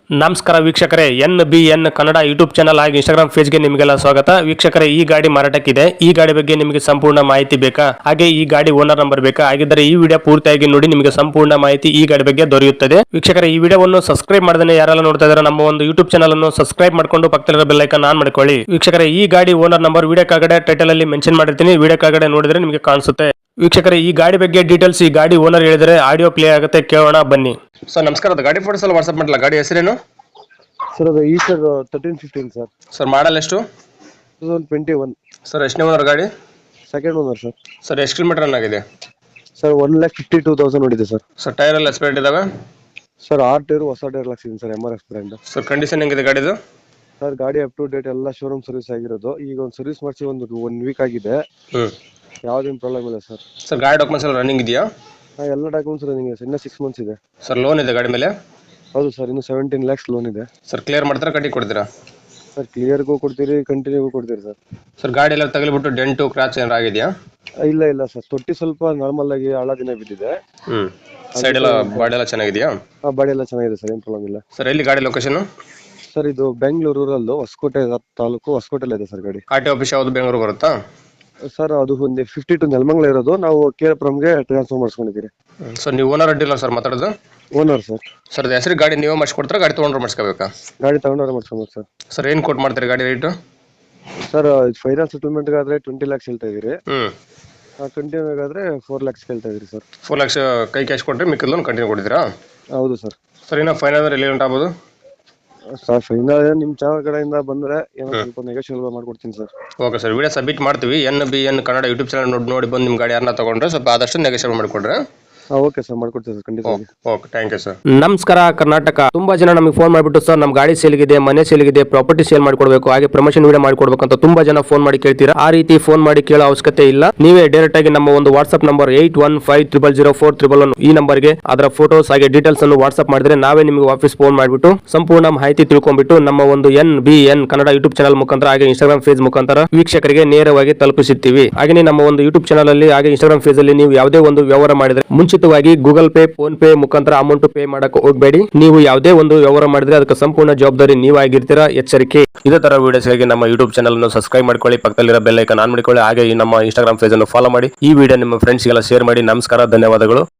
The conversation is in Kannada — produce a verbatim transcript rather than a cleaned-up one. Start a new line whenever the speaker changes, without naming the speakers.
ನಮಸ್ಕಾರ ವೀಕ್ಷಕರೇ, N B N Kannada YouTube channel ಹಾಗೂ ಇನ್ಸ್ಟಾಗ್ರಾಮ್ ಪೇಜ್ಗೆ ನಿಮಗೆಲ್ಲ ಸ್ವಾಗತ. ವೀಕ್ಷಕರೇ, ಈ ಗಾಡಿ ಮಾರಾಟಕ್ಕಿದೆ. ಈ ಗಾಡಿ ಬಗ್ಗೆ ನಿಮಗೆ ಸಂಪೂರ್ಣ ಮಾಹಿತಿ ಬೇಕಾ? ಹಾಗೆ ಈ ಗಾಡಿ ಓನರ್ ನಂಬರ್ ಬೇಕಾ? ಹಾಗಿದ್ದರೆ ಈ ವಿಡಿಯೋ ಪೂರ್ತಿಯಾಗಿ ನೋಡಿ, ನಿಮಗೆ ಸಂಪೂರ್ಣ ಮಾಹಿತಿ ಈ ಗಾಡಿ ಬಗ್ಗೆ ದೊರೆಯುತ್ತದೆ. ವೀಕ್ಷಕರೇ, ಈ ವಿಡಿಯೋವನ್ನು ಸಬ್ಸ್ಕ್ರೈಬ್ ಮಾಡದೇ ಯಾರೆಲ್ಲ ನೋಡ್ತಾ ಇದ್ದಾರೆ ನಮ್ಮ ಒಂದು ಯೂಟ್ಯೂಬ್ ಚಾನಲ್ ಅನ್ನು ಸಬ್ಸ್ಕ್ರೈಬ್ ಮಾಡ್ಕೊಂಡು ಪಕ್ಕದಲ್ಲಿರೋ ಬೆಲ್ ಐಕಾನ್ ಆನ್ ಮಾಡ್ಕೊಳ್ಳಿ. ವೀಕ್ಷಕರೇ, ಈ ಗಾಡಿ ಓನರ್ ನಂಬರ್ ವಿಡಿಯೋ ಕೆಳಗಡೆ ಟೈಟಲ್ ಅಲ್ಲಿ ಮೆನ್ಷನ್ ಮಾಡಿರ್ತೀನಿ, ವಿಡಿಯೋ ಕೆಳಗಡೆ ನೋಡಿದ್ರೆ ನಿಮಗೆ ಕಾಣಿಸುತ್ತೆ. ವೀಕ್ಷಕರೇ, ಈ ಗಾಡಿ ಬಗ್ಗೆ ಡೀಟೇಲ್ಸ್ ಈ ಗಾಡಿ ಓನರ್ ಹೇಳಿದರೆ ಆಡಿಯೋ ಪ್ಲೇ ಆಗುತ್ತೆ, ಕೇಳೋಣ ಬನ್ನಿ. ಸರ್ ನಮಸ್ಕಾರ, ಅದು ಗಾಡಿ ಫೋಟೋಸ್ ಎಲ್ಲ ವಾಟ್ಸ್ಆಪ್ ಮಾಡಲ್ಲ. ಗಾಡಿ ಹೆಸರೇನು
ಸರ್? ಅದು ಈ sir thirteen fifteen sir.
Sir model ಎಷ್ಟು?
Two thousand twenty one
sir. ಎಷ್ಟನೇ ಓನರ್ ಗಾಡಿ?
Second owner sir.
ಸರ್ ಎಷ್ಟು ಕಿಲೋಮೀಟರ್ ರನ್ ಆಗಿದೆ?
Sir one lakh fifty two thousand ಹೊಡಿದೆ ಸರ್.
ಸರ್ ಟೈರ್ ಎಲ್ಲ ಎಕ್ಸ್ಪೈರ್ಡ್ ಇದಾವೆ?
ಸರ್ ಆರ್ ಟೈರ್ ಹೊಸ ಟೈರ್ ಹಾಕ್ಸಿದ್ದೀನಿ sir, M R F brand.
Sir condition ಹೆಂಗಿದೆ ಗಾಡಿದು?
ಸರ್ ಗಾಡಿ ಅಪ್ ಟು ಡೇಟ್ ಎಲ್ಲ ಶೋರೂಮ್ ಸರ್ವಿಸ್ ಆಗಿರೋದು. ಈಗ ಒಂದು ಸರ್ವಿಸ್ ಮಾಡಿಸಿ ಒಂದು ಒನ್ ವೀಕ್ ಆಗಿದೆ.
ಹ್ಮ್
ಯಾವುದೇನು ಪ್ರಾಬ್ಲಮ್ ಇಲ್ಲ ಸರ್.
ಸರ್ ಗಾಡಿ ಡಾಕ್ಯುಮೆಂಟ್ಸ್ ಎಲ್ಲ ರನ್ನಿಂಗ್ ಇದೆಯಾ?
ಹಾಂ, ಎಲ್ಲ ಡಾಕ್ಯುಮೆಂಟ್ಸ್ ರನ್ನಿಂಗ್ ಇದೆ. ಇನ್ನೂ ಸಿಕ್ಸ್ ಮಂತ್ಸ್ ಇದೆ
ಸರ್. ಲೋನ್ ಇದೆ ಗಾಡಿ ಮೇಲೆ?
ಹೌದು ಸರ್, ಇನ್ನು ಸೆವೆಂಟೀನ್ ಲ್ಯಾಕ್ಸ್ ಲೋನ್ ಇದೆ
ಸರ್. ಕ್ಲಿಯರ್ ಮಾಡ್ತಾರೆ, ಕಟ್ಟಿ ಕೊಡ್ತೀರಾ?
ಸರ್ ಕ್ಲಿಯರ್ಗೂ ಕೊಡ್ತೀರಿ, ಕಂಟಿನ್ಯೂಗೂ ಕೊಡ್ತೀರಿ ಸರ್.
ಸರ್ ಗಾಡಿ ಎಲ್ಲ ತಗಲಿಬಿಟ್ಟು ಡೆಂಟು ಕ್ರಾಚ್ ಏನಾರು ಆಗಿದೆಯಾ?
ಇಲ್ಲ ಇಲ್ಲ ಸರ್, ತೊಟ್ಟಿ ಸ್ವಲ್ಪ ನಾರ್ಮಲ್ ಆಗಿ ಹಳ ದಿನ ಬಿದ್ದಿದೆ.
ಹ್ಮ್ ಸೈಡ್ ಎಲ್ಲ ಬಾಡಿ ಎಲ್ಲ ಚೆನ್ನಾಗಿದೆಯಾ?
ಆ ಬಾಡಿ ಎಲ್ಲ ಚೆನ್ನಾಗಿದೆ ಸರ್, ಏನು ಪ್ರಾಬ್ಲಮ್ ಇಲ್ಲ
ಸರ್. ಎಲ್ಲಿ ಗಾಡಿ ಲೊಕೇಶನ್?
ಸರ್ ಇದು ಬೆಂಗಳೂರು ರೂರಲ್ಲು, ಹೊಸಕೋಟೆ ತಾಲೂಕು, ಹೊಸಕೋಟೆಲ್ಲ ಇದೆ ಸರ್ ಗಾಡಿ.
ಆರ್ ಟಿ ಆಫೀಸ್ ಯಾವುದು ಬೆಂಗಳೂರು ಬರುತ್ತಾ?
ಸರ್ ಅದು ಒಂದು ಫಿಫ್ಟಿ ಟು ನೆಲಮಂಗಲ ಇರೋದು, ನಾವು ಕೇರಪುರಂಗೆ ಟ್ರಾನ್ಸ್ಫರ್ ಮಾಡಿಸ್ಕೊಂಡಿದ್ದೀರಿ.
ಸರ್ ನೀವು ಓನರ್ ಡೀಲರ್ ಸರ್ ಮಾತಾಡೋದು?
Owner sir.
ಸರ್ ಅದು ಹೆಸರು ಗಾಡಿ ನೀವೇ ಮಾಡಿಸ್ಕೊಡ್ತಾರೆ, ಗಾಡಿ ತೊಗೊಂಡ್ರೆ ಮಾಡಿಸ್ಕೋಬೇಕಾ?
ಗಾಡಿ ತಗೊಂಡ್ರೆ ಮಾಡಿಸ್ಕೊಬೋದು ಸರ್.
ಸರ್ ಏನು ಕೊಟ್ಟು ಮಾಡ್ತೀರಿ ಗಾಡಿ ರೇಟು?
ಸರ್ ಫೈನಾನ್ಸ್ ಸೆಟಲ್ಮೆಂಟ್ ಆದ್ರೆ ಟ್ವೆಂಟಿ ಲ್ಯಾಕ್ಸ್ ಹೇಳ್ತಾ ಇದೀರಿ.
ಹ್ಮ್
ಕಂಟಿನ್ಯೂ ಆದ್ರೆ ಫೋರ್ ಲ್ಯಾಕ್ಸ್ ಹೇಳ್ತಾ ಇದೀರಿ ಸರ್.
ಫೋರ್ ಲ್ಯಾಕ್ಸ್ ಕೈ ಕ್ಯಾಶ್ ಕೊಟ್ಟರೆ ಮಿಕ್ಕಿದ ಲೋನ್ ಕಂಟಿನ್ಯೂ ಕೊಡ್ತೀರಾ?
ಹೌದು ಸರ್.
ಸರ್ ಇನ್ನು ಫೈನಲ್ ಅಂದ್ರೆ ಎಲ್ಲಿ ಉಂಟಾಗ್ಬೋದು?
ಸರ್ ಫೈನಲ್ ನಿಮ್ಮ ಚಾನಲ್ ಕಡೆಯಿಂದ ಬಂದ್ರೆ ಏನೋ ಸ್ವಲ್ಪ ನೆಗೋಷಿಯೇಬಲ್ ಮಾಡ್ಕೊಡ್ತೀನಿ sir.
Okay sir, video submit ಮಾಡ್ತೀವಿ. N B N Kannada YouTube channel ನೋಡಿ ನೋಡಿ ಬಂದು ನಿಮ್ಮ ಗಾಡಿ ಯಾರನ್ನ ತಗೊಂಡ್ರೆ ಸ್ವಲ್ಪ ಆದಷ್ಟು ನೆಗೋಷಿಯೇಟ್ ಮಾಡಿಕೊಡ್ರೆ.
ಓಕೆ ಸರ್, ಮಾಡ್ಕೊಡ್ತೀವಿ ಸರ್, ಖಂಡಿತ.
Okay, thank you sir.
ನಮಸ್ಕಾರ ಕರ್ನಾಟಕ. ತುಂಬಾ ಜನ ನಮಗೆ ಫೋನ್ ಮಾಡಿಬಿಟ್ಟು ಸರ್ ನಮ್ಮ ಗಾಡಿ ಸೇಲ್ಗಿದೆ, ಮನೆ ಸೇಲ್ಗಿದೆ, ಪ್ರಾಪರ್ಟಿ ಸೇಲ್ ಮಾಡ್ಕೊಡ್ಬೇಕು, ಹಾಗೆ ಪ್ರಮೋಷನ್ ವಿಡಿಯೋ ಮಾಡ್ಕೊಡ್ಬೇಕು ಅಂತ ತುಂಬಾ ಜನ ಫೋನ್ ಮಾಡಿ ಕೇಳ್ತೀರಾ. ಆ ರೀತಿ ಫೋನ್ ಮಾಡಿ ಕೇಳೋ ಅವಶ್ಯಕತೆ ಇಲ್ಲ. ನೀವೇ ಡೈರೆಕ್ಟ್ ಆಗಿ ನಮ್ಮ ಒಂದು WhatsApp number eight one five triple zero four triple one ಈ ನಂಬರ್ಗೆ ಅದರ ಫೋಟೋಸ್ ಹಾಗೆ ಡೀಟೇಲ್ಸ್ ಅನ್ನು ವಾಟ್ಸ್ಆಪ್ ಮಾಡಿದ್ರೆ ನಾವೇ ನಿಮಗೆ ವಾಪಸ್ ಫೋನ್ ಮಾಡಿಬಿಟ್ಟು ಸಂಪೂರ್ಣ ಮಾಹಿತಿ ತಿಳ್ಕೊಂಡ್ಬಿಟ್ಟು ನಮ್ಮ ಒಂದು N B N Kannada YouTube channel ಮುಖಾಂತರ ಹಾಗೆ ಇನ್ಸ್ಟಾಗ್ರಾಮ್ ಪೇಜ್ ಮುಖಾಂತರ ವೀಕ್ಷಕರಿಗೆ ನೇರವಾಗಿ ತಲುಪಿಸುತ್ತೀವಿ. ಹಾಗೆ ನಮ್ಮ ಒಂದು ಯೂಟ್ಯೂಬ್ ಚಾನಲ್ ಅಲ್ಲಿ ಹಾಗೆ ಇನ್ಸ್ಟಾಗ್ರಾಮ್ ಪೇಜ್ ಅಲ್ಲಿ ನೀವು ಯಾವುದೇ ಒಂದು ವ್ಯವಹಾರ ಮಾಡಿದ್ರೆ ಮುಂಚಿತವಾಗಿ ಗೂಗಲ್ ಪೇ, ಫೋನ್ ಪೇ ಮುಖಾಂತರ ಅಮೌಂಟ್ ಪೇ ಮಾಡಕ್ಕೆ ಹೋಗಬೇಡಿ. ನೀವು ಯಾವುದೇ ಒಂದು ವ್ಯವಹಾರ ಮಾಡಿದ್ರೆ ಅದಕ್ಕೆ ಸಂಪೂರ್ಣ ಜವಾಬ್ದಾರಿ ನೀವಾಗಿರ್ತೀರಾ, ಎಚ್ಚರಿಕೆ. ಇದೇ ತರ ವಿಡಿಯೋಸ್ಗಾಗಿ ನಮ್ಮ ಯೂಟ್ಯೂಬ್ ಚಾನಲ್ ಅನ್ನು ಸಬ್ಸ್ಕ್ರೈಬ್ ಮಾಡ್ಕೊಳ್ಳಿ, ಪಕ್ಕದಲ್ಲಿರೋ ಬೆಲ್ ಐಕಾನ್ ಆನ್ ಮಾಡಿಕೊಳ್ಳಿ, ಹಾಗೆ ನಮ್ಮ ಇನ್ಸ್ಟಾಗ್ರಾಮ್ ಪೇಜ್ ಅನ್ನು ಫಾಲೋ ಮಾಡಿ. ಈ ವಿಡಿಯೋ ನಿಮ್ಮ ಫ್ರೆಂಡ್ಸ್ಗೆಲ್ಲ ಶೇರ್ ಮಾಡಿ. ನಮಸ್ಕಾರ, ಧನ್ಯವಾದಗಳು.